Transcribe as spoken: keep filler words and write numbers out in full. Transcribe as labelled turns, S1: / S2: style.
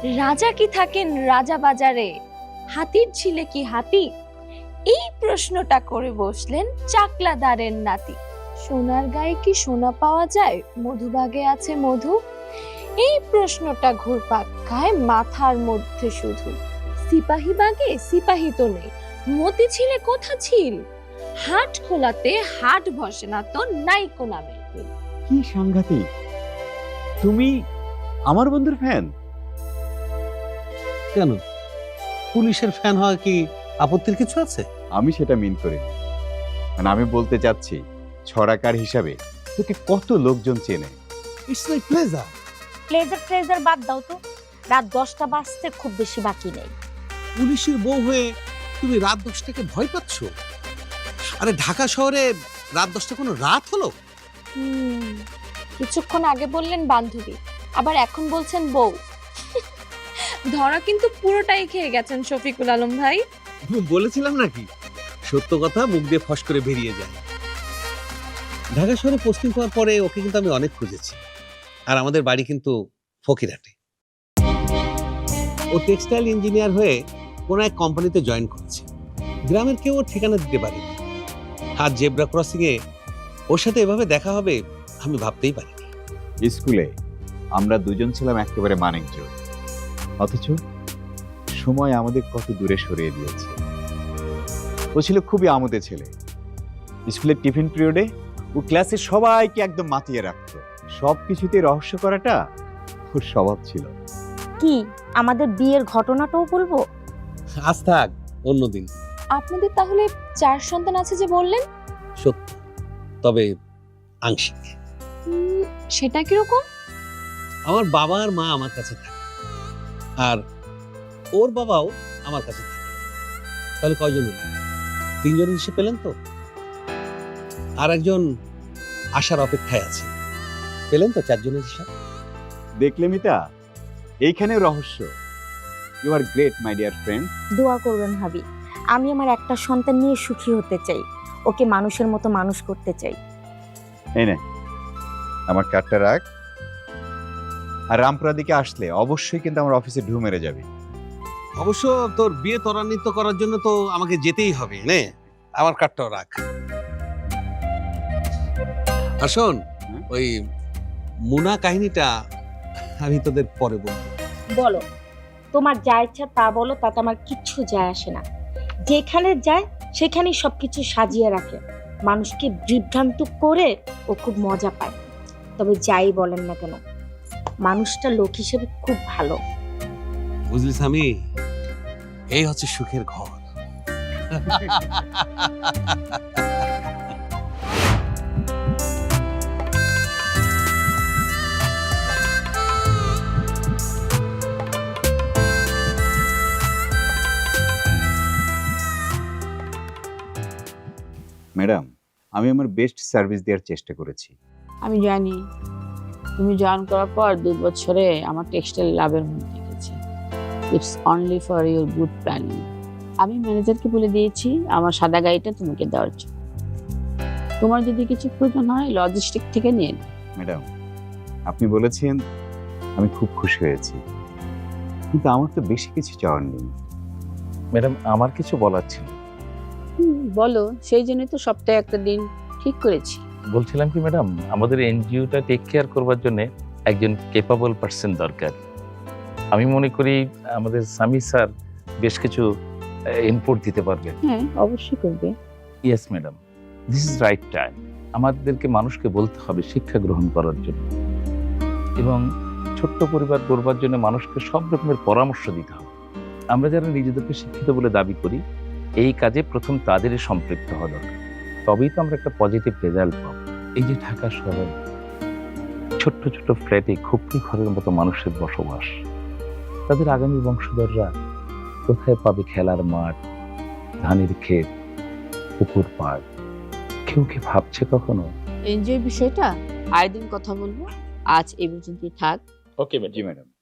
S1: রাজা কি থাকেন রাজা বাজারে, হাতির ছিলে কি হাতি? এই প্রশ্নটা করে বসলেন চাকলাদারের নাতি। সোনার গায়ে কি সোনা পাওয়া যায়, মধুবাগে আছে মধু? এই প্রশ্নটা ঘুরপাক খায় মাথার মধ্যে শুধু। সিপাহী বাগে সিপাহী তো নেই, মতি ছিলে কোথা ছিল? হাট খোলাতে হাট বসে না তো নাই কোনা মেয়ে।
S2: কি সাংঘাতিক! তুমি আমার বন্ধুর ফ্যান?
S3: কেন, পুলিশের ফ্যান হওয়া কি আপত্তির কিছু আছে?
S2: আমি সেটা মিন করি, মানে আমি বলতে চাচ্ছি ছড়াকার হিসাবে তোকে কত লোকজন চেনে।
S3: It's like pleasure.
S4: Pleasure treasure বাদ দাও তো, রাত দশটা বাজতে খুব বেশি বাকি নেই।
S3: পুলিশের বউ হয়ে তুমি রাত দশটাকে ভয় পাচ্ছ? আরে ঢাকা শহরে রাত দশটা কোনো রাত হলো?
S1: হুম, কিছুক্ষণ আগে বললেন বান্ধবী, আবার এখন বলছেন বউ। ধরা কিন্তু পুরোটাই খেয়ে গেছেন শফিকুল আলম ভাই।
S3: বলেছিলাম নাকি সত্য কথা মুখ দিয়ে ফস করে বেরিয়ে যায়। ঢাকা শহরে পোস্টিং পাওয়ার পরে ওকে কিন্তু আমি অনেক খুঁজেছি, আর আমাদের বাড়ি কিন্তু ফকিরহাটে। ও টেক্সটাইল ইঞ্জিনিয়ার হয়ে কোন এক কোম্পানিতে জয়েন করেছে। গ্রামের কেউ ওর ঠিকানা দিতে পারেনি। আর জেব্রা ক্রসিং এ ওর সাথে এভাবে দেখা হবে আমি ভাবতেই পারিনি।
S2: স্কুলে আমরা দুজন ছিলাম একেবারে মানিকজোড়, অথচ সময় আমাদের কত দূরে সরিয়ে দিয়েছে। ও ছিল খুবই আমোদে ছেলে। স্কুলের টিফিন পিরিয়ডে ও ক্লাসের সবাইকে একদম মাতিয়ে রাখতো। সবকিছুতে রহস্য করাটা ওর স্বভাব ছিল।
S4: কি আমাদের বিয়ের ঘটনাটাও বলবো?
S3: আজ থাক, অন্যদিন।
S1: আপনাদের তাহলে চার সন্তান আছে যে বললেন?
S3: সত্য, তবে আংশিক।
S1: উম, সেটা কিরকম?
S3: আমার বাবা আর মা আমার কাছে থাকে, আর ওর বাবাও আমার কাছে থাকে। তাহলে কয়জন হলো? তিনজন হিসেবে পেলেন তো? আর একজন আসার অপেক্ষায় আছে, পেলেন তো চারজনের হিসাব।
S2: দেখলে মিতা, এইখানে রহস্য। You are great my dear friend.
S4: দোয়া করবেন ভাবি, আমি আমার একটা সন্তান নিয়ে সুখী হতে চাই, ওকে মানুষের মতো মানুষ করতে চাই।
S2: এই নে আমার কার্ডটা রাখ, আর রামপুরা দিকে আসলে অবশ্যই কিন্তু আমার অফিসে ঢু মেরে যাবে।
S3: অবশ্য তোর বিয়ে ত্বরান্বিত করার জন্য তো আমাকে যেতেই হবে। নে আমার কার্ডটাও রাখ। আর শোন, ওই মুনা কাহিনীটা আমি তোদের পরে বলবো।
S4: বলো, তোমার যা ইচ্ছা তা বলো, তাতে আমার কিচ্ছু যায় আসে না। যেখানে যায় সেখানেই সবকিছু সাজিয়ে রাখে, মানুষকে বিভ্রান্ত করে ও খুব মজা পায়। তবে যাই বলেন না কেন, মানুষটা লোক হিসেবে খুব ভালো।
S3: বুঝলিস, আমি এই হচ্ছে সুখের ঘর।
S2: ম্যাডাম, আমি আমার বেস্ট সার্ভিস দেওয়ার চেষ্টা করেছি।
S5: আমি জানি তুমি জয়েন করার পর দু বছরে আমার টেক্সটাইল লাভের মুখ দেখেছি। It's only for your good planning. আমি ম্যানেজারকে বলে দিয়েছি আমার সাদা গাড়িটা তোমাকে দেওয়ার জন্য। তোমার যদি কিছু প্রয়োজন হয় লজিস্টিক থেকে নিয়ে নাও।
S2: ম্যাডাম, আপনি বলেছেন, আমি খুব খুশি হয়েছি, কিন্তু আমার তো বেশি কিছু চাওয়ার নেই।
S6: ম্যাডাম, আমার কিছু বলার ছিল।
S5: হুম, বলো। সেই জন্যই তো সপ্তাহে একটা দিন ঠিক করেছি।
S6: বলছিলাম কি ম্যাডাম, আমাদের এনজিওটা টেক কেয়ার করবার জন্য একজন কেপাবল পার্সন দরকার। আমি মনে করি আমাদের সামি স্যার বেশ কিছু ইনপুট দিতে পারবেন।
S5: হ্যাঁ, অবশ্যই করবে।
S6: Yes madam, this is right time. আমাদেরকে মানুষকে বলতে হবে শিক্ষা গ্রহণ করার জন্য, এবং ছোট্ট পরিবার গড়বার জন্য মানুষকে সব রকমের পরামর্শ দিতে হবে। আমরা যারা নিজেদেরকে শিক্ষিত বলে দাবি করি, এই কাজে প্রথম তাদেরই সম্পৃক্ত হওয়া দরকার, তবেই তো আমরা একটা পজিটিভ রেজাল্ট পাবো। এই যে ঢাকা শহরে ছোট্ট ছোট্ট ফ্ল্যাটে খুপড়ি ঘরের মতো মানুষের বসবাস, তাদের আগামী বংশধররা কোথায় পাবে খেলার মাঠ, ধানের ক্ষেত, পুকুর পাড়? কেউ কি ভাবছে কখনো?
S5: এনজয় বিষয়টা আরেকদিন কথা বলবো, আজ এই পর্যন্তই থাক।
S6: ওকে
S2: জি ম্যাডাম।